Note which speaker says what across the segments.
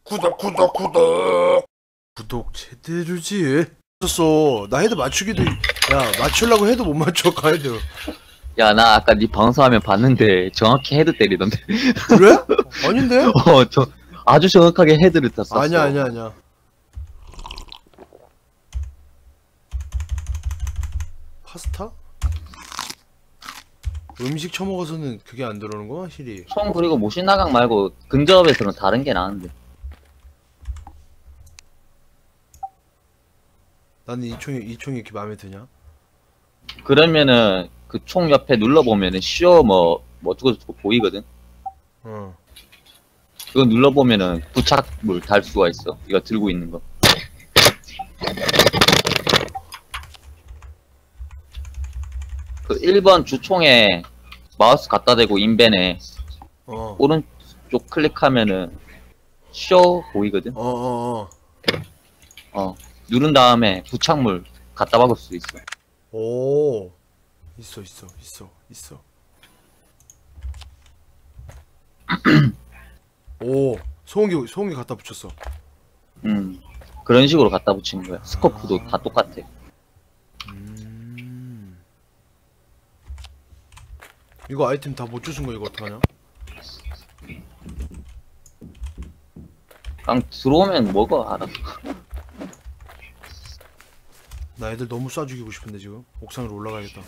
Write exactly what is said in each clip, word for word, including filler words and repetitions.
Speaker 1: 구독 구독 구독 구독 제대로 해주지. 썼어. 나 헤드 맞추기도 야 맞추려고 해도 못 맞춰 가헤드.
Speaker 2: 야, 나 아까 네 방송하면 봤는데 정확히 헤드 때리던데.
Speaker 1: 그래? 아닌데?
Speaker 2: 어, 저 아주 정확하게 헤드를 땄어.
Speaker 1: 아니야 아니야 아니야. 파스타? 음식 처먹어서는 그게 안 들어오는 거야, 실이?
Speaker 2: 총 그리고 모신나강 말고 근접에서는 다른 게 나은데.
Speaker 1: 나는 이 총이 이 총이 이렇게 마음에 드냐?
Speaker 2: 그러면은 그 총 옆에 눌러보면은 시어 뭐, 뭐 어쩌고저쩌고 보이거든.
Speaker 1: 어.
Speaker 2: 그거 눌러보면은 부착물 달 수가 있어. 이거 들고 있는 거. 그 일 번 주총에 마우스 갖다 대고 인벤에
Speaker 1: 어.
Speaker 2: 오른쪽 클릭하면은 쇼 보이거든.
Speaker 1: 어, 어, 어.
Speaker 2: 어, 누른 다음에 부착물 갖다 박을 수 있어.
Speaker 1: 오. 있어, 있어, 있어, 있어. 오. 소음기, 소음기 갖다 붙였어.
Speaker 2: 음, 그런 식으로 갖다 붙이는 거야. 스코프도 다 똑같아.
Speaker 1: 음. 이거 아이템 다 못 주신 거 이거 어떡하냐?
Speaker 2: 그냥 들어오면 먹어, 알아서.
Speaker 1: 나 애들 너무 쏴 죽이고 싶은데 지금 옥상으로 올라가야겠다.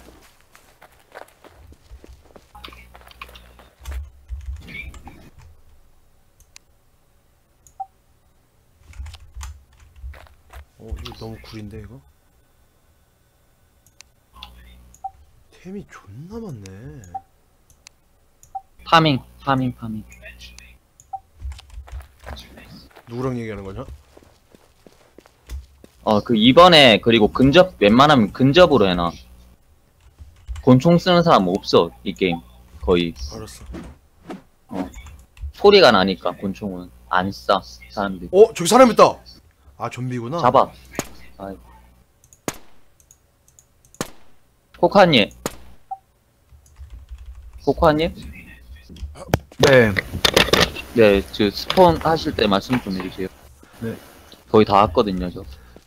Speaker 1: 어, 이거 너무 구린데 이거? 템이 존나 많네.
Speaker 2: 파밍, 파밍, 파밍.
Speaker 1: 누구랑 얘기하는 거냐?
Speaker 2: 어, 그 이번에 그리고 근접 웬만하면 근접으로 해놔. 권총 쓰는 사람 없어, 이 게임. 거의.
Speaker 1: 알았어.
Speaker 2: 소리가 나니까 권총은 안 쏴, 사람들이.
Speaker 1: 어, 저기 사람 있다. 아, 좀비구나.
Speaker 2: 잡아. 아이고. 코카님. 코카님?
Speaker 3: 네.
Speaker 2: 네, 저 스폰 하실 때 말씀 좀 해주세요.
Speaker 3: 네.
Speaker 2: 거의 다 왔거든요, 저.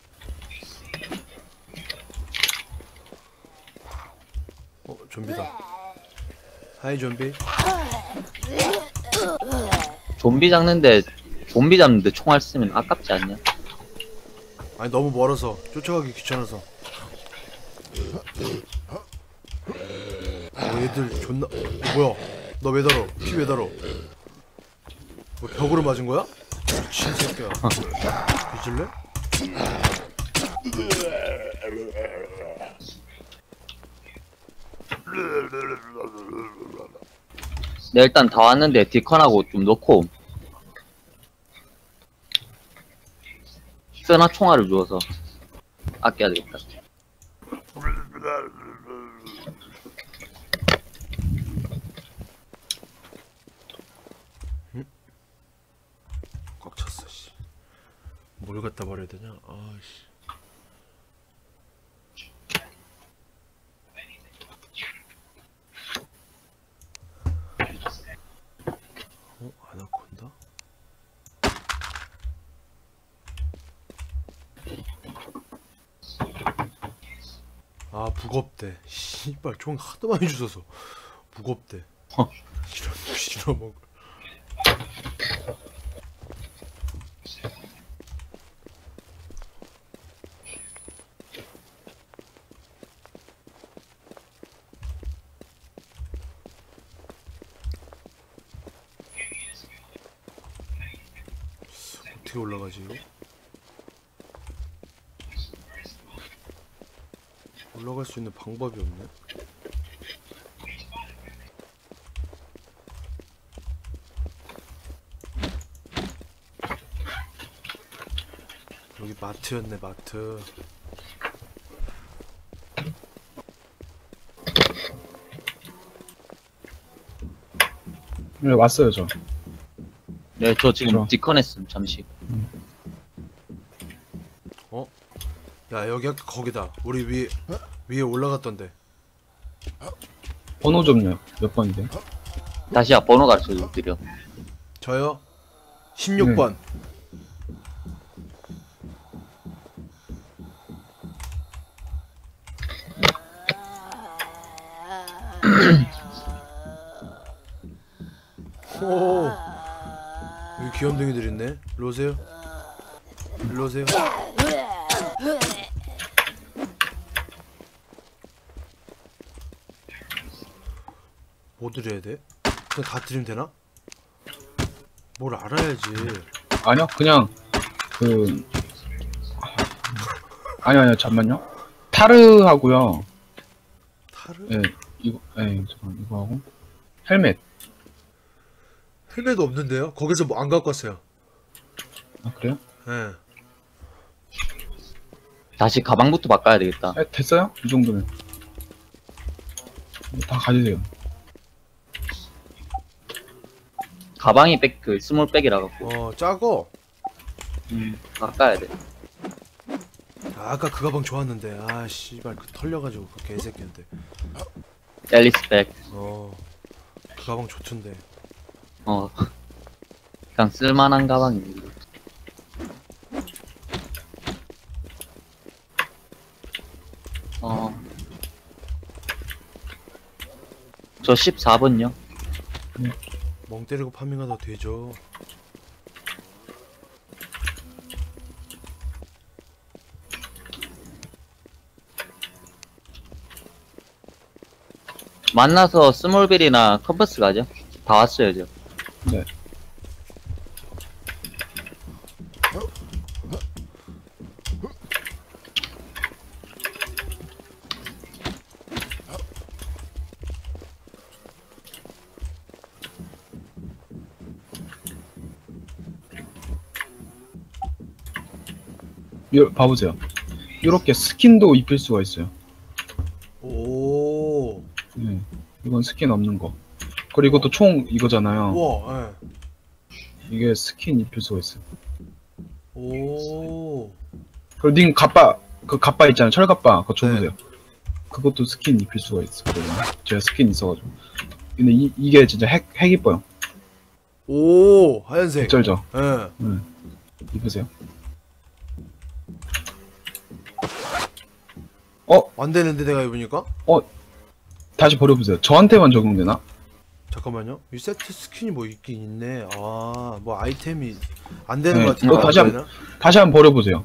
Speaker 1: 어, 좀비다. 하이 좀비.
Speaker 2: 좀비 잡는데, 좀비 잡는데 총알 쓰면 아깝지 않냐?
Speaker 1: 아니 너무 멀어서 쫓아가기 귀찮아서. 어, 얘들 존나. 어, 뭐야? 너 왜 달어? 피 왜 달어? 뭐 벽으로 맞은 거야? 미친 새끼야. 뒤질래?
Speaker 2: 네, 일단 다 왔는데 디컨하고 좀 넣고 쓰나 총알을 주어서 아껴야 되겠다.
Speaker 1: 꽉 찼어 씨. 뭘 갖다 버려야 되냐? 아씨. 어? 아나콘다? 아 무겁대. 씨발 총 하도 많이 주셔서 무겁대.
Speaker 2: 어.
Speaker 1: 싫어 싫어 먹을. 어떻게 올라가지 이거? 올라갈 수 있는 방법이 없네. 여기 마트였네 마트.
Speaker 3: 네, 왔어요, 저.
Speaker 2: 네, 저 지금
Speaker 3: 그쵸.
Speaker 2: 디컨했음, 잠시.
Speaker 1: 어? 야 여기 아까 거기다. 우리 위에 위에 올라갔던데.
Speaker 3: 번호 좀요. 몇 번인데?
Speaker 2: 다시야 번호 가르쳐 드려.
Speaker 1: 저요? 십육 번. 오, 여기 귀염둥이들 있네. 일로 오세요. 일로 오세요. 뭐 드려야 돼? 그냥 다 드리면 되나? 뭘 알아야지.
Speaker 3: 아니요, 그냥 그 아니 아니요, 잠만요. 타르하고요.
Speaker 1: 타르?
Speaker 3: 예, 이거, 예, 잠깐 이거 하고 헬멧.
Speaker 1: 헬멧도 없는데요? 거기서 뭐 안 갖고 왔어요.
Speaker 3: 아 그래요?
Speaker 1: 예.
Speaker 2: 다시 가방부터 바꿔야 되겠다.
Speaker 3: 예, 됐어요? 이 정도면 다 가지세요.
Speaker 2: 가방이 백, 그, 스몰 백이라 갖고.
Speaker 1: 어, 작어.
Speaker 3: 음,
Speaker 2: 바꿔야 돼.
Speaker 1: 아, 아까 그 가방 좋았는데. 아, 씨발, 그 털려가지고 그 개새끼한테.
Speaker 2: 앨리스 백.
Speaker 1: 어, 그 가방 좋던데.
Speaker 2: 어. 그냥 쓸만한 가방입니다. 어. 저 십사 번요?
Speaker 1: 멍 때리고 파밍하다 되죠.
Speaker 2: 만나서 스몰빌이나 컴퍼스 가죠? 다 왔어야죠.
Speaker 3: 네. 요, 봐보세요. 이렇게 스킨도 입힐 수가 있어요.
Speaker 1: 오,
Speaker 3: 네. 이건 스킨 없는 거. 그리고 또 총 이거잖아요.
Speaker 1: 우와, 예.
Speaker 3: 이게 스킨 입힐 수가 있어요.
Speaker 1: 오,
Speaker 3: 그리고 님 갑바, 그 갑바 있잖아요. 철갑바. 그거 줘보세요.
Speaker 1: 네.
Speaker 3: 그것도 스킨 입힐 수가 있었거든요. 제가 스킨 있어가지고. 근데 이, 이게 진짜 핵, 핵 이뻐요.
Speaker 1: 오, 하얀색.
Speaker 3: 쩔죠?
Speaker 1: 예.
Speaker 3: 응. 입으세요.
Speaker 1: 안 되는데 내가 입으니까?
Speaker 3: 다시 버려보세요. 저한테만 적용되나?
Speaker 1: 잠깐만요. 이 세트 스킨이 뭐 있긴 있네. 아, 뭐 아이템이 안 되는
Speaker 3: 네,
Speaker 1: 것 같은데.
Speaker 3: 이거 다시
Speaker 1: 안
Speaker 3: 한-
Speaker 1: 되나?
Speaker 3: 다시 한번 버려보세요.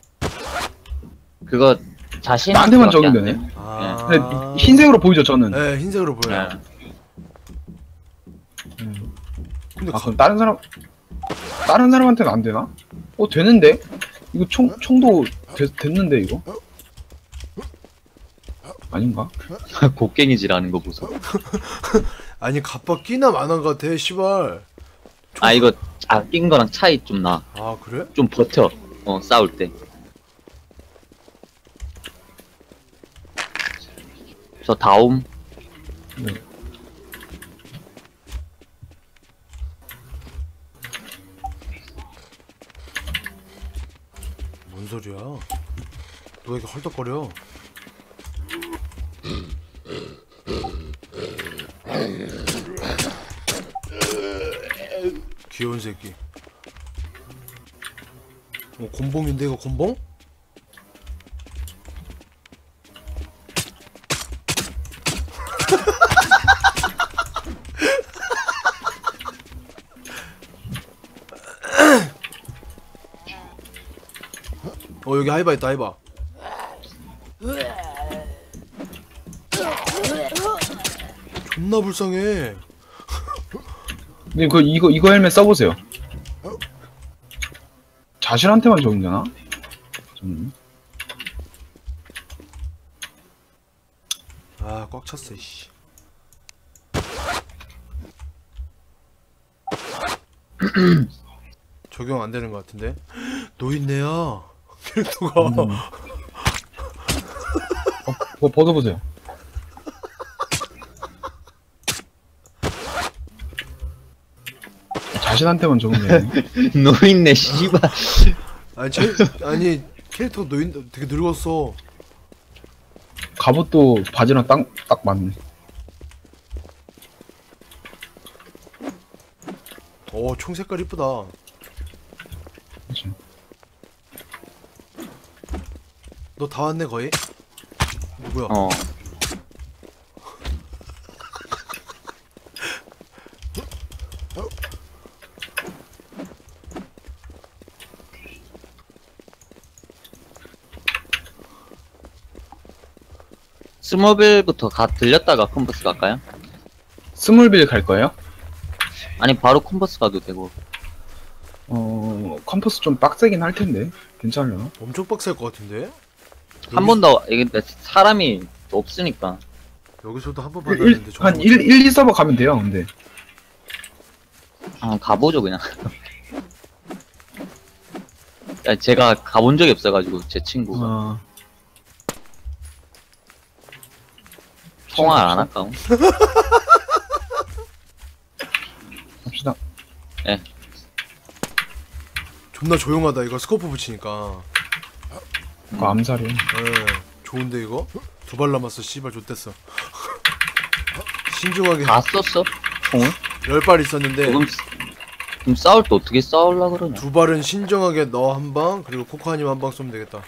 Speaker 2: 그거 자신
Speaker 3: 나한테만 적용되네.
Speaker 1: 아,
Speaker 3: 근데 흰색으로 보이죠, 저는?
Speaker 1: 네, 흰색으로 보여요.
Speaker 3: 음.
Speaker 1: 근데
Speaker 3: 아,
Speaker 1: 가,
Speaker 3: 그럼 다른 사람, 다른 사람한테는 안 되나? 어, 되는데? 이거 총, 총도 되, 됐는데, 이거? 아닌가?
Speaker 2: 곡괭이질하는 거 보소.
Speaker 1: 아니 갑바 끼나 만한 것 같아. 씨발.
Speaker 2: 아 이거 아낀 거랑 차이 좀 나.
Speaker 1: 아, 그래?
Speaker 2: 좀 버텨. 어 싸울 때. 저 다움.
Speaker 3: 네.
Speaker 1: 뭔 소리야? 너 왜 이렇게 헐떡거려? 귀여운 새끼. 어, 곤봉인데 이거 곤봉? 어, 여기 하이바 있다. 하이바. 존나 불쌍해.
Speaker 3: 님, 그, 이거, 이거 헬멧 써보세요. 자신한테만 적용되나? 좀.
Speaker 1: 아, 꽉 찼어, 씨. 적용 안 되는 것 같은데? 노인네야. 캐릭터가.
Speaker 3: 음. 어, 그거 벗어보세요. 자신한테만 적용되네.
Speaker 2: 노인네 씨발.
Speaker 1: 아니, 제, 아니, 캐릭터가 노인, 되게 늙었어.
Speaker 3: 갑옷도 바지랑 딱, 딱 맞네.
Speaker 1: 어, 총 색깔 이쁘다.
Speaker 3: 그치.
Speaker 1: 너 다 왔네, 거의? 누구야?
Speaker 2: 어. 스몰빌부터 가 들렸다가 컴버스 갈까요?
Speaker 3: 스몰빌 갈 거예요?
Speaker 2: 아니 바로 컴버스 가도 되고.
Speaker 3: 어, 컴퍼스 좀 빡세긴 할 텐데. 괜찮으려나?
Speaker 1: 엄청 빡셀 것 같은데?
Speaker 2: 한 번 더 이게 근데 사람이 없으니까.
Speaker 1: 여기서도 한 번
Speaker 3: 일,
Speaker 1: 받았는데
Speaker 3: 한 일, 일, 이 서버 가면 돼요, 근데.
Speaker 2: 아 가보죠 그냥. 야, 제가 가본 적이 없어가지고 제 친구가
Speaker 3: 어,
Speaker 2: 통화를 안 할까?
Speaker 3: 갑시다.
Speaker 1: 존나 조용하다 이거 스코프 붙이니까.
Speaker 3: 그거 암살이야.
Speaker 1: 예. 좋은데 이거? 두 발 남았어 씨발 좆됐어. 신중하게
Speaker 2: 다 썼어? 총을?
Speaker 1: 열 발 있었는데
Speaker 2: 그럼, 그럼 싸울 때 어떻게 싸울라 그러냐?
Speaker 1: 두 발은 신중하게 너 한 방 그리고 코코아님 한 방 쏘면 되겠다.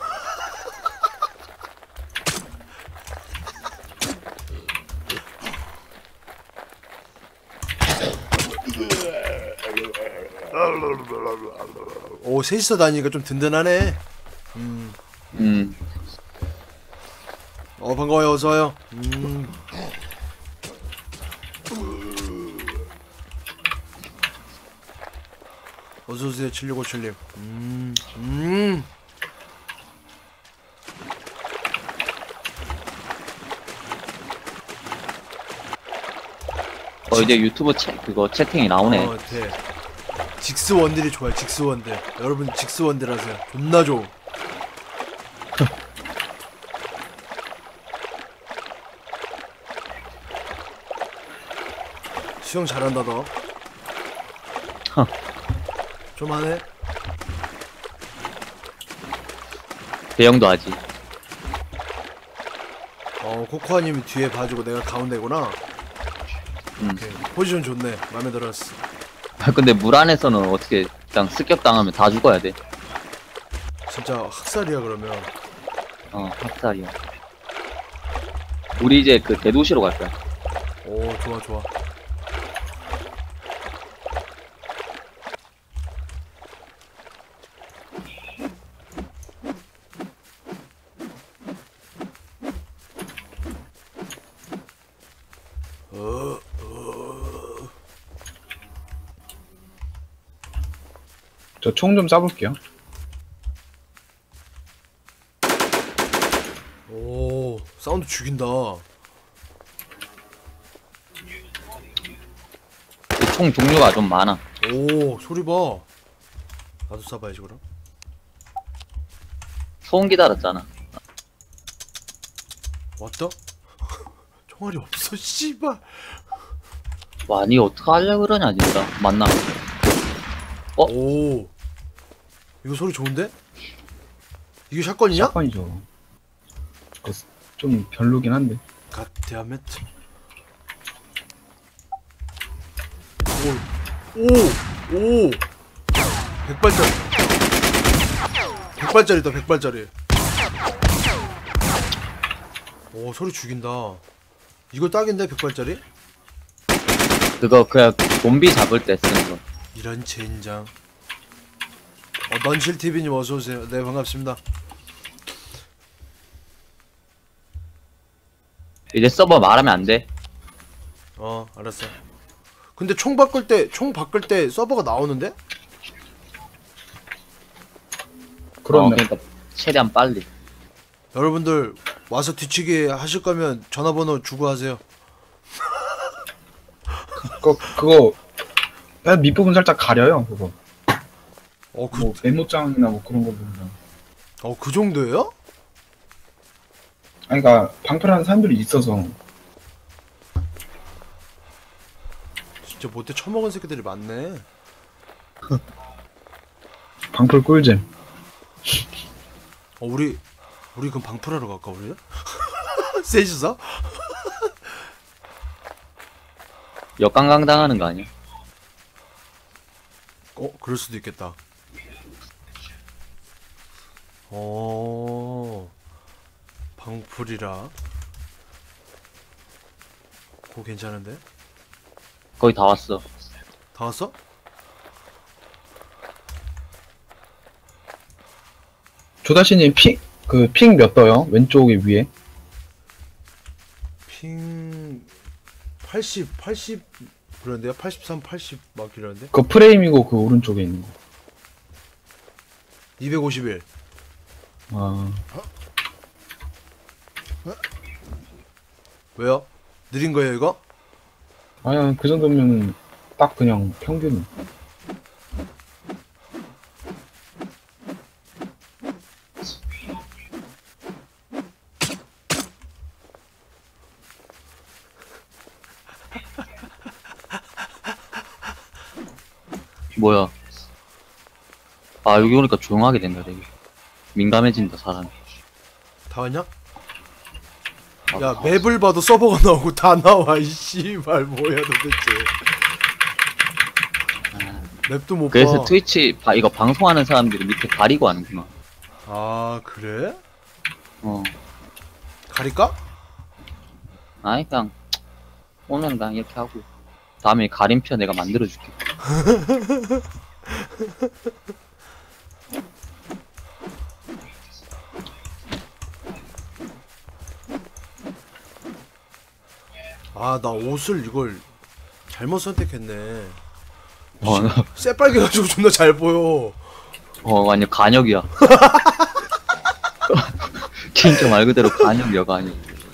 Speaker 1: 오 셋이서 다니니까 좀 든든하네. 음.
Speaker 2: 음,
Speaker 1: 어 반가워요 어서와요. 음. 어서오세요 칠육오칠님. 음. 음.
Speaker 2: 어 이제 유튜브 채, 그거 채팅이 나오네.
Speaker 1: 어, 돼. 직스 원딜이 좋아요 직스 원딜. 여러분 직스 원딜 하세요. 존나 좋음. 수영 잘한다 너.
Speaker 2: 허.
Speaker 1: 좀 하네.
Speaker 2: 대형도 하지.
Speaker 1: 어 코코아님이 뒤에 봐주고 내가 가운데구나.
Speaker 2: 음.
Speaker 1: 오케이. 포지션 좋네. 마음에 들었어.
Speaker 2: 아 근데 물 안에서는 어떻게 그냥 습격 당하면 다 죽어야 돼.
Speaker 1: 진짜 학살이야 그러면.
Speaker 2: 어 학살이야. 우리 이제 그 대도시로 갈 거야.
Speaker 1: 오 좋아 좋아. 어, 어.
Speaker 3: 저 총 좀 쏴볼게요.
Speaker 1: 오 사운드 죽인다.
Speaker 2: 총 종류가 좀 많아.
Speaker 1: 오 소리 봐. 나도 쏴봐야지 그럼.
Speaker 2: 소음기 달았잖아.
Speaker 1: 왔다? 총알이 없어 씨발.
Speaker 2: 와, 니 어떡하려 그러냐, 진짜. 만나. 어?
Speaker 1: 오 이거 소리 좋은데? 이게 샷건이냐?
Speaker 3: 샷건이죠. 그거 좀 별로긴 한데.
Speaker 1: 갓데아멧. 오오오 백발짜리. 백발짜리다 백발짜리. 오 소리 죽인다. 이거 딱인데 백발짜리?
Speaker 2: 그거, 그냥, 좀비 잡을 때 쓰는 거.
Speaker 1: 이런 젠장. 어 넌실티비님 어서오세요. 네 반갑습니다.
Speaker 2: 이제 서버 말하면 안 돼.
Speaker 1: 어 알았어. 근데 총 바꿀 때 총 바꿀 때 서버가 나오는데?
Speaker 2: 어,
Speaker 3: 그러네.
Speaker 2: 그러니까, 최대한 빨리.
Speaker 1: 여러분들 와서 뒤치기 하실 거면 전화번호 주고 하세요.
Speaker 3: 그거, 그거, 그냥 밑부분 살짝 가려요, 그거.
Speaker 1: 어, 그,
Speaker 3: 뭐, 메모장이나 뭐 그런 거 보면.
Speaker 1: 어, 그 정도예요?
Speaker 3: 아니, 그니까, 방패라는 사람들이 있어서.
Speaker 1: 진짜 못돼 처먹은 새끼들이 많네.
Speaker 3: 방풀 꿀잼.
Speaker 1: 어, 우리, 우리 그럼 방풀하러 갈까, 우리? 셋이서?
Speaker 2: 역강강 당하는 거 아니야?
Speaker 1: 어, 그럴 수도 있겠다. 어, 방풀이라. 그거 괜찮은데?
Speaker 2: 거의 다 왔어.
Speaker 1: 다 왔어?
Speaker 3: 조다시님 핑, 그, 핑 몇 떠요? 왼쪽에 위에?
Speaker 1: 팔십, 팔십 그런데요? 팔십삼, 팔십 막 이러는데?
Speaker 3: 그 프레임이고 그 오른쪽에 있는 거.
Speaker 1: 이백오십일.
Speaker 3: 아,
Speaker 1: 왜요? 느린 거예요 이거?
Speaker 3: 아니야, 그 정도면 딱 그냥 평균.
Speaker 2: 뭐야? 아 여기 오니까 조용하게 된다 되게. 민감해진다 사람이.
Speaker 1: 다 왔냐?
Speaker 2: 아,
Speaker 1: 야 맵을 봐도 서버가 나오고 다 나와 이 씨발 뭐야 도대체. 맵도 못
Speaker 2: 그래서
Speaker 1: 봐.
Speaker 2: 트위치 바, 이거 방송하는 사람들이 밑에 가리고 하는구나.
Speaker 1: 아 그래?
Speaker 2: 어.
Speaker 1: 가릴까?
Speaker 2: 아니 그냥 오늘은 그냥 이렇게 하고 다음에 가림표 내가 만들어줄게.
Speaker 1: 아 나 옷을 이걸 잘못 선택했네.
Speaker 2: 어, 나-
Speaker 1: 새빨개가지고 존나 잘 보여.
Speaker 2: 어 완전 간역이야. 진짜 말 그대로 간역이야 간역.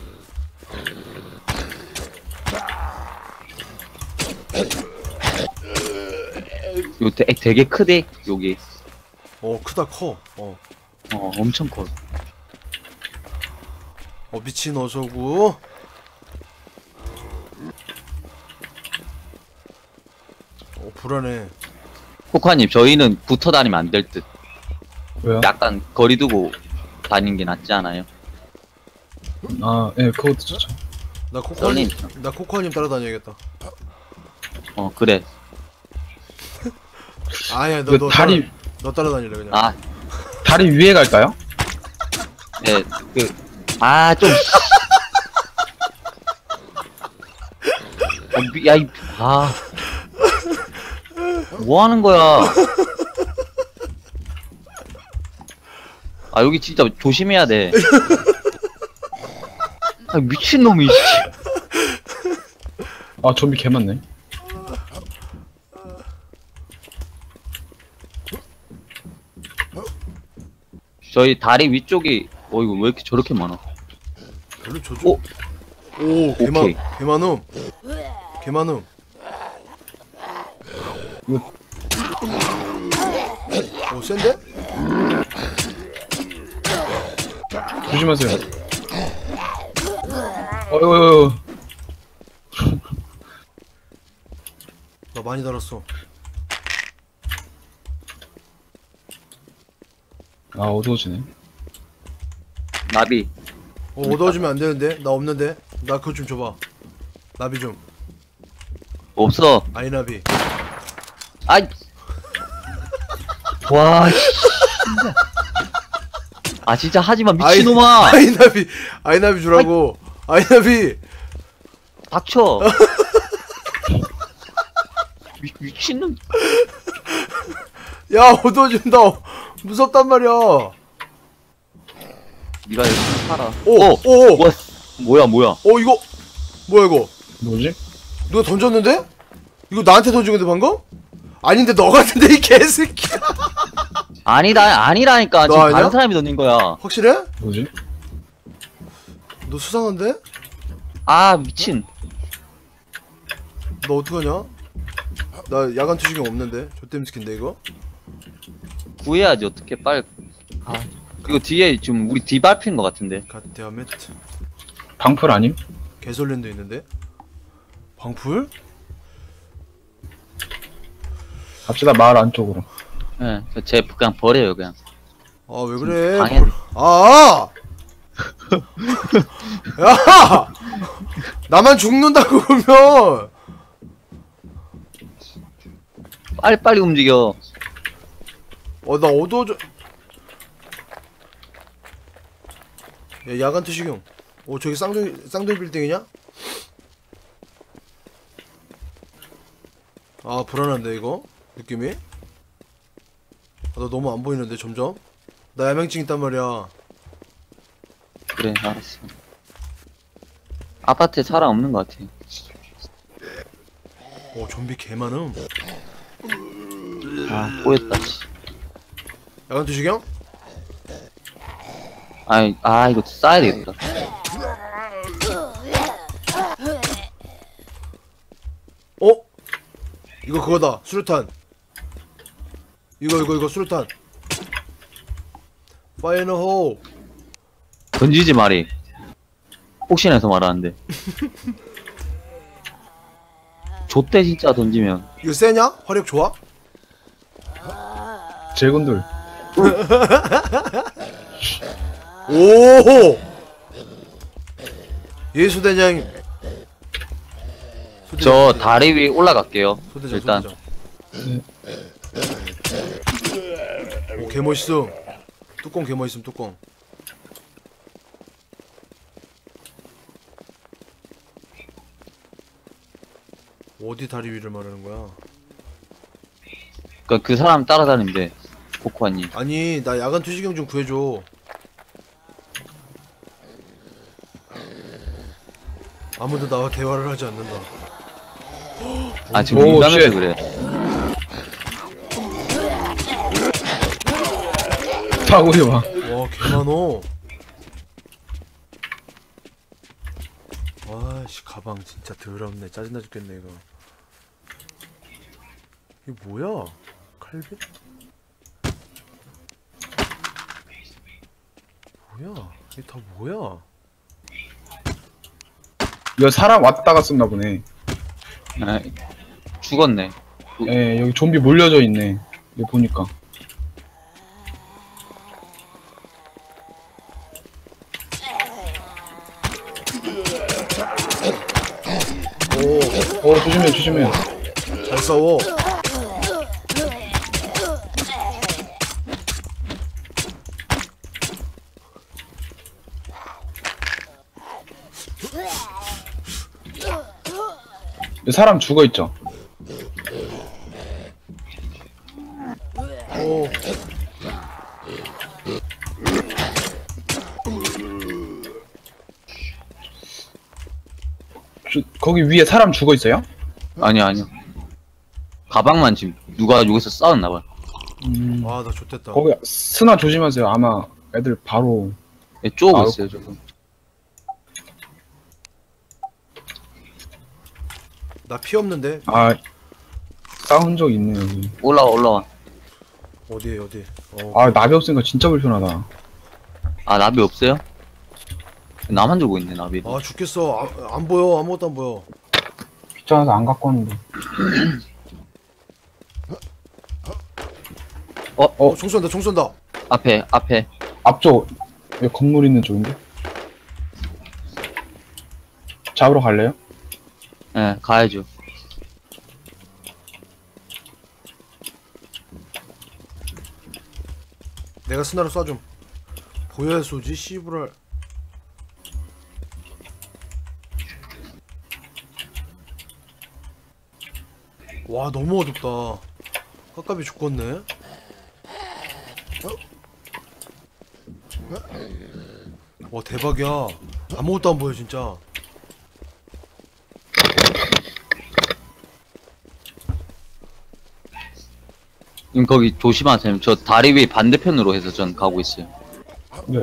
Speaker 2: 요 되, 되게 크대 여기.
Speaker 1: 어 크다 커. 어,
Speaker 2: 어 엄청 커.
Speaker 1: 어 미친 어서구. 어 불안해.
Speaker 2: 코카님 저희는 붙어 다니면 안 될 듯.
Speaker 3: 왜요?
Speaker 2: 약간 거리 두고 다니는 게 낫지 않아요?
Speaker 3: 아, 예, 그것도 좋죠.
Speaker 1: 나 코코아님
Speaker 2: 썰림.
Speaker 1: 나 코코아님 따라다녀야겠다.
Speaker 2: 어 그래.
Speaker 1: 아니야
Speaker 3: 그
Speaker 1: 너너
Speaker 3: 다리,
Speaker 1: 따라, 너 따라다니래 그냥.
Speaker 2: 아
Speaker 3: 다리 위에 갈까요?
Speaker 2: 네, 그, 아, 좀. 어, 미, 야, 이, 아. 뭐 하는 거야? 아, 여기 진짜 조심해야 돼. 아, 미친놈이, 씨.
Speaker 3: 아, 좀비 개 많네.
Speaker 2: 저희 다리 위쪽이, 어, 이거 왜 이렇게 저렇게 많아?
Speaker 1: 별로 저쪽.
Speaker 2: 오,
Speaker 1: 오 개만
Speaker 2: 오케이.
Speaker 1: 개만음. 개만음.
Speaker 3: 이거-
Speaker 1: 오 센데?
Speaker 3: 조심하세요. 어이구,
Speaker 1: 나 많이 달았어.
Speaker 3: 아, 어두워지네.
Speaker 2: 나비.
Speaker 1: 어 얻어주면 안 되는데 나 없는데 나 그거 좀 줘봐. 나비 좀.
Speaker 2: 없어.
Speaker 1: 아이나비.
Speaker 2: 아이. 와, 씨. 진짜. 아, 진짜 하지마, 미친놈아!
Speaker 1: 아이나비 아이나비 주라고. 아이나비.
Speaker 2: 닥쳐! 미, 미친놈.
Speaker 1: 야 얻어준다. 무섭단 말이야.
Speaker 2: 니가 열심히 살아.
Speaker 1: 오,
Speaker 2: 어,
Speaker 1: 오, 오.
Speaker 2: 뭐, 뭐야, 뭐야.
Speaker 1: 어 이거 뭐야 이거?
Speaker 3: 뭐지?
Speaker 1: 누가 던졌는데? 이거 나한테 던진 건데 방금? 아닌데 너 같은데 이 개새끼야.
Speaker 2: 아니다, 아니라니까.
Speaker 1: 너
Speaker 2: 지금
Speaker 1: 아니야?
Speaker 2: 다른 사람이 던진 거야.
Speaker 1: 확실해?
Speaker 3: 뭐지?
Speaker 1: 너 수상한데?
Speaker 2: 아, 미친.
Speaker 1: 너 어떡하냐? 나 야간 투시경 없는데. 좆땜 스킨데 이거?
Speaker 2: 구해야지, 어떻게, 빨리. 아, 그리고 뒤에 지금 우리 뒤밟힌 거 같은데.
Speaker 1: 갓데아멧.
Speaker 3: 방풀 아님?
Speaker 1: 개설렌도 있는데? 방풀?
Speaker 3: 갑시다, 마을 안쪽으로.
Speaker 2: 예, 네, 제 그냥 버려요, 그냥.
Speaker 1: 아 왜 그래?
Speaker 2: 방해.
Speaker 1: 뭘- 아! 야! 나만 죽는다고 그러면
Speaker 2: 빨리빨리 움직여.
Speaker 1: 어 나 어두워져. 야 야간 투시경. 오 저기 쌍둥이 쌍둥이 빌딩이냐? 아 불안한데 이거 느낌이? 아, 나 너무 안 보이는데 점점. 나 야맹증 있단 말이야.
Speaker 2: 그래, 알았어. 아파트에 사람 없는 것 같아.
Speaker 1: 오 좀비 개 많음.
Speaker 2: 아 꼬였다 씨.
Speaker 1: 야간 투시경?
Speaker 2: 아이 아 이거 싸야 되겠다.
Speaker 1: 어? 이거 그거다. 수류탄. 이거 이거 이거 수류탄. 파이너 호.
Speaker 2: 던지지 말이. 혹시나 해서 말하는데. 좆대 진짜 던지면.
Speaker 1: 이거 세냐? 화력 좋아?
Speaker 3: 제군들.
Speaker 1: 오! 예수대장. 소대장,
Speaker 2: 저
Speaker 1: 소대장.
Speaker 2: 다리 위 올라갈게요.
Speaker 1: 소대장,
Speaker 2: 일단.
Speaker 1: 소대장. 오, 개 멋있어. 뚜껑 개 멋있음, 뚜껑. 어디 다리 위를 말하는 거야?
Speaker 2: 그니까 그 사람 따라다니면 돼. 코코아님.
Speaker 1: 아니, 나 야간 투시경 좀 구해줘. 아무도 나와 대화를 하지 않는다.
Speaker 2: 아 지금
Speaker 3: 오,
Speaker 2: 민감해서
Speaker 3: 쉣.
Speaker 2: 그래.
Speaker 3: 사고리 와.
Speaker 1: 와, 개 많어. 와씨, 가방 진짜 더럽네. 짜증나 죽겠네 이거. 이게 뭐야? 칼빈? 뭐야? 이게 다 뭐야?
Speaker 3: 이거 사람 왔다가 썼나 보네.
Speaker 2: 아, 죽었네.
Speaker 3: 예, 여기 좀비 몰려져 있네. 이거 보니까.
Speaker 1: 오,
Speaker 3: 어, 조심해, 조심해.
Speaker 1: 잘 싸워.
Speaker 3: 여기 사람 죽어 있죠.
Speaker 1: 오,
Speaker 3: 주, 거기 위에 사람 죽어 있어요?
Speaker 2: 아니야 아니야. 가방만 지금 누가 여기서 싸웠나봐.
Speaker 3: 음,
Speaker 1: 아, 나 좆됐다.
Speaker 3: 거기 스나 조심하세요. 아마 애들 바로.
Speaker 2: 예, 쪼고
Speaker 3: 아우.
Speaker 2: 있어요 저거.
Speaker 1: 나 피 없는데?
Speaker 3: 아, 싸운 적 있네 여기.
Speaker 2: 올라와 올라와.
Speaker 1: 어디에 어디? 어,
Speaker 3: 아, 나비 없으니까 진짜 불편하다.
Speaker 2: 아 나비 없어요? 나만 들고 있네 나비.
Speaker 1: 아 죽겠어. 아, 안 보여. 아무것도 안 보여.
Speaker 3: 귀찮아서 안 갖고 왔는데.
Speaker 1: 어, 총 쏜다. 총 쏜다.
Speaker 2: 앞에 앞에.
Speaker 3: 앞쪽, 여기 건물 있는 쪽인데? 잡으러 갈래요?
Speaker 2: 예 가야죠.
Speaker 1: 내가 스나로 쏴줌. 보여야 쏘지. 씨부랄. 와, 너무 어둡다. 깝깝이 죽겠네. 와, 대박이야. 아무것도 안 보여 진짜.
Speaker 2: 님 거기 조심하세요. 저 다리 위 반대편으로 해서 전 가고 있어요.
Speaker 3: 네.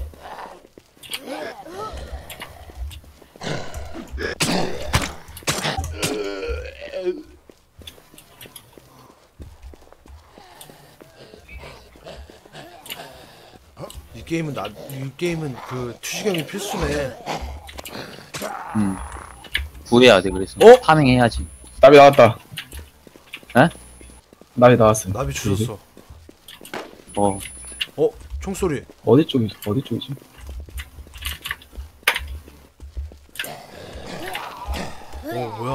Speaker 1: 이 게임은 나, 이 게임은 그 투시경이 필수네.
Speaker 2: 음. 구해야 돼 그래서.
Speaker 1: 어?
Speaker 2: 파밍해야지.
Speaker 3: 나비 나왔다.
Speaker 2: 에?
Speaker 3: 나비 나왔어.
Speaker 1: 나비 주셨어.
Speaker 2: 어.
Speaker 1: 어? 총소리.
Speaker 3: 어디 쪽이지? 어디 쪽이지?
Speaker 1: 어, 뭐야?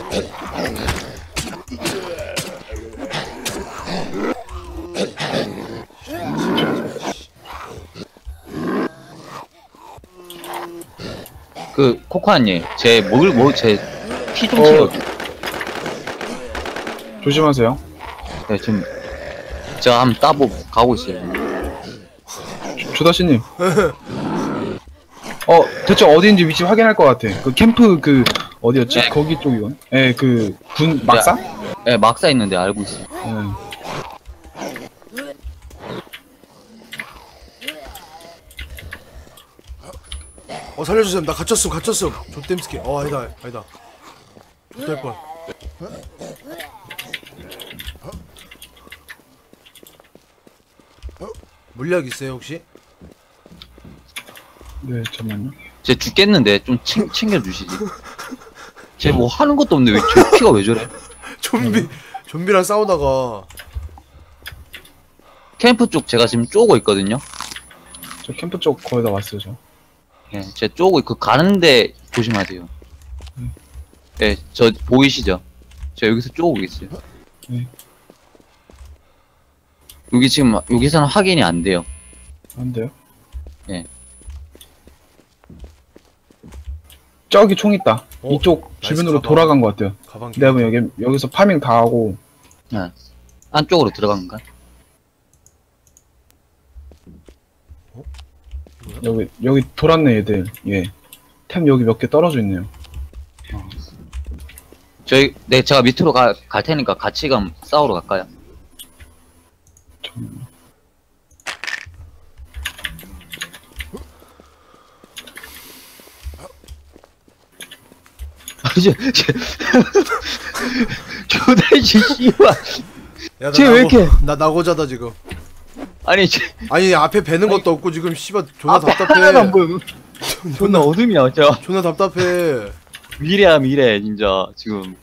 Speaker 2: 그 코코아님 제 먹을 뭐제 피 좀
Speaker 3: 어.
Speaker 2: 채워.
Speaker 3: 조심하세요.
Speaker 2: 네 지금 제가 한번 따보 가고 있어요.
Speaker 3: 조다씨님. 어, 대체 어디인지 위치 확인할 것 같아. 그 캠프 그 어디였지?
Speaker 2: 네.
Speaker 3: 거기 쪽이건. 예, 그 군 막사?
Speaker 2: 예, 막사 있는데 알고 있어.
Speaker 3: 예.
Speaker 1: 어 살려주세요. 나 갇혔음 갇혔음. 조땜스키. 어 아니다 아니다. 될 뻔. 물약 있어요 혹시?
Speaker 3: 네, 잠깐만요.
Speaker 2: 쟤 죽겠는데 좀 챙, 챙겨주시지. 쟤 뭐 하는 것도 없는데 왜 쟤 피가 왜 저래?
Speaker 1: 좀비 좀비랑 싸우다가
Speaker 2: 캠프 쪽 제가 지금 쪼고 있거든요.
Speaker 3: 저 캠프 쪽 거의 다 왔어요, 저.
Speaker 2: 예, 쟤 쪼고 그 가는데 조심하세요. 예, 저 보이시죠? 저 여기서 쪼고 있어요.
Speaker 3: 네.
Speaker 2: 여기 지금 여기서는 확인이 안 돼요.
Speaker 3: 안 돼요?
Speaker 2: 예.
Speaker 3: 저기 총 있다.
Speaker 1: 어,
Speaker 3: 이쪽
Speaker 1: 나이스
Speaker 3: 주변으로
Speaker 1: 가방.
Speaker 3: 돌아간 것 같아요.
Speaker 1: 가방.
Speaker 3: 내가 보면 여기, 여기서 파밍 다 하고,
Speaker 2: 예. 안쪽으로 들어간가?
Speaker 3: 여기, 여기 돌았네, 얘들. 예. 템 여기 몇 개 떨어져 있네요.
Speaker 2: 저희 네 제가 밑으로 가, 갈 테니까 같이 가 싸우러 갈까요?
Speaker 3: 잠깐만요.
Speaker 2: 저, 저, 조달씨 씨발.
Speaker 1: 야, 나
Speaker 2: 쟤 왜
Speaker 1: 나고-
Speaker 2: 이렇게-
Speaker 1: 나 나고자다 지금.
Speaker 2: 아니 저
Speaker 1: 아니 앞에 배는 것도 없고 지금 씨발 존나
Speaker 2: 앞에 하나도 안
Speaker 1: 답답해.
Speaker 2: 보여. 존나 어둠이야 저.
Speaker 1: 존나 답답해.
Speaker 2: 미래야 미래 진짜 지금.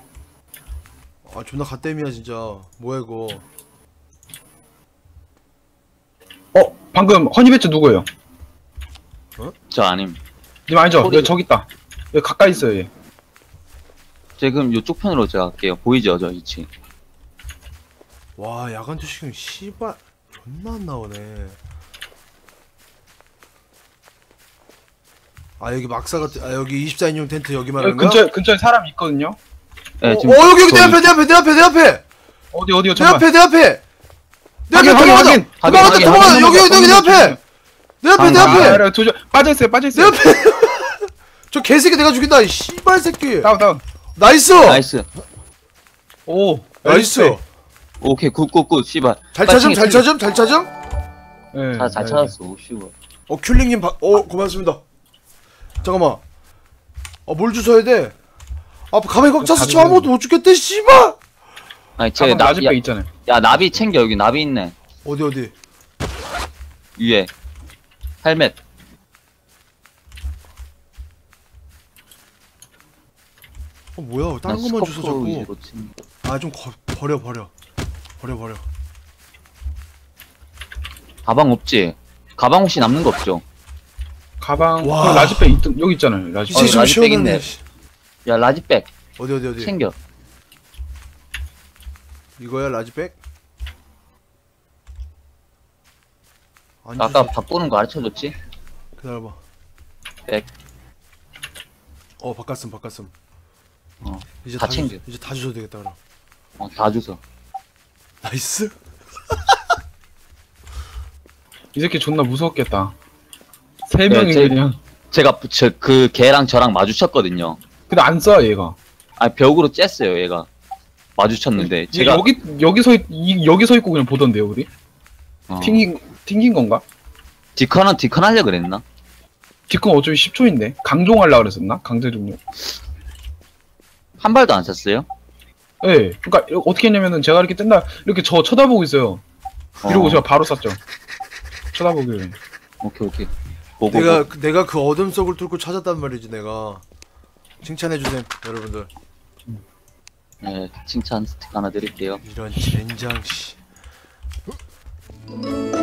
Speaker 1: 아 존나 갓댐이야 진짜. 뭐야 이거.
Speaker 3: 어, 방금 허니배츠 누구예요?
Speaker 2: 저 아님.
Speaker 3: 님 아니죠?
Speaker 2: 소리-
Speaker 3: 여기 저기 있다. 여기 가까이 있어요, 얘.
Speaker 2: 지금 이쪽 편으로 제가 갈게요. 보이죠 저 위치.
Speaker 1: 와 야간 투시경 씨발 존나 안 나오네. 아 여기 막사 같은 아 여기 이십사 인용 텐트 여기 말하는
Speaker 3: 여기
Speaker 1: 거야?
Speaker 3: 근처에, 근처에 사람 있거든요?
Speaker 2: 네,
Speaker 1: 어,
Speaker 2: 지금
Speaker 1: 어 여기 여기 내
Speaker 2: 저
Speaker 1: 앞에 내 앞에 내 앞에 내 앞에
Speaker 3: 어디, 어디요?
Speaker 1: 내
Speaker 3: 잠깐.
Speaker 1: 앞에 내 앞에 내 앞에
Speaker 3: 확인, 확인,
Speaker 1: 도망가자
Speaker 3: 확인.
Speaker 1: 도망가자
Speaker 2: 확인,
Speaker 1: 도망가자
Speaker 2: 확인,
Speaker 1: 여기 여기 여기 내
Speaker 3: 확인,
Speaker 1: 앞에
Speaker 3: 확인.
Speaker 1: 내 앞에 내
Speaker 2: 아,
Speaker 3: 아,
Speaker 1: 앞에
Speaker 3: 아, 도저, 빠져있어요,
Speaker 1: 내
Speaker 3: 빠져있어요.
Speaker 1: 앞에 저 개새끼 내가 죽인다 이 씨발 새끼
Speaker 3: 다운, 다운.
Speaker 1: 나이스
Speaker 2: 나이스.
Speaker 3: 오,
Speaker 1: 나이스
Speaker 2: 오케이 굿굿굿 씨발.
Speaker 1: 잘
Speaker 2: 빨리
Speaker 1: 찾음 잘
Speaker 2: 챙겨,
Speaker 1: 찾음 잘 찾음
Speaker 3: 네,
Speaker 2: 잘, 잘
Speaker 3: 네,
Speaker 2: 찾았어. 오 씨발.
Speaker 1: 어 큐링님 바... 어 고맙습니다 잠깐만 어뭘 주워야 돼 아 가만히 꽉 찼어 저 아무것도 못 죽겠대 씨발
Speaker 2: 아니
Speaker 3: 가방
Speaker 2: 쟤나
Speaker 3: 라지백
Speaker 2: 야,
Speaker 3: 있잖아요.
Speaker 2: 야 나비 챙겨 여기 나비 있네.
Speaker 1: 어디 어디
Speaker 2: 위에. 헬멧.
Speaker 1: 어 뭐야 다른
Speaker 2: 난
Speaker 1: 것만 주워
Speaker 2: 스코프
Speaker 1: 자꾸
Speaker 2: 위주로 챙겨.
Speaker 1: 아 좀 버려 버려 버려 버려
Speaker 2: 가방 없지? 가방 혹시 남는 거 없죠?
Speaker 3: 가방,
Speaker 1: 와.
Speaker 3: 그 라지백 있, 여기 있잖아요,
Speaker 1: 이제
Speaker 3: 라지백.
Speaker 2: 어,
Speaker 1: 좀
Speaker 2: 라지백
Speaker 1: 시원하네
Speaker 2: 있네.
Speaker 1: 씨.
Speaker 2: 야 라지백
Speaker 1: 어디 어디 어디
Speaker 2: 챙겨.
Speaker 1: 이거야 라지백? 안
Speaker 2: 아까
Speaker 1: 주지.
Speaker 2: 바꾸는 거 가르쳐줬지?
Speaker 1: 기다려봐
Speaker 2: 백.
Speaker 1: 어 바꿨음 바꿨음
Speaker 2: 어,
Speaker 1: 이제
Speaker 2: 다
Speaker 1: 주-
Speaker 2: 챙겨.
Speaker 1: 이제 다 주셔도 되겠다 그럼
Speaker 2: 어, 다 주소.
Speaker 1: 나이스
Speaker 3: 이 새끼 존나 무서웠겠다. 세
Speaker 2: 네,
Speaker 3: 명이
Speaker 2: 제-
Speaker 3: 그냥.
Speaker 2: 제가 저, 그 걔랑 저랑 마주쳤거든요.
Speaker 3: 근데 안 쏴, 얘가.
Speaker 2: 아 벽으로 쬐어요 얘가. 마주쳤는데
Speaker 3: 제가
Speaker 2: 제가
Speaker 3: 여기, 여기 서, 있, 이, 여기 서 있고 그냥 보던데요, 우리?
Speaker 2: 어,
Speaker 3: 튕긴, 튕긴 건가?
Speaker 2: 디컨은 디컨 하려 그랬나?
Speaker 3: 뒷건 어차피 십 초인데. 강종하려고 그랬었나? 강제 종료.
Speaker 2: 한 발도 안 쐈어요?
Speaker 3: 예. 네. 그니까, 어떻게 했냐면은 제가 이렇게 뜬다, 이렇게 저 쳐다보고 있어요. 이러고
Speaker 2: 어,
Speaker 3: 제가 바로 쐈죠. 쳐다보길래.
Speaker 2: 오케이 오케이. 보고
Speaker 1: 내가
Speaker 2: 보고.
Speaker 1: 그- 내가 그 어둠 속을 뚫고 찾았단 말이지 내가 칭찬해주셈 여러분들
Speaker 2: 네 칭찬 스틱 하나 드릴게요.
Speaker 1: 이런 젠장 씨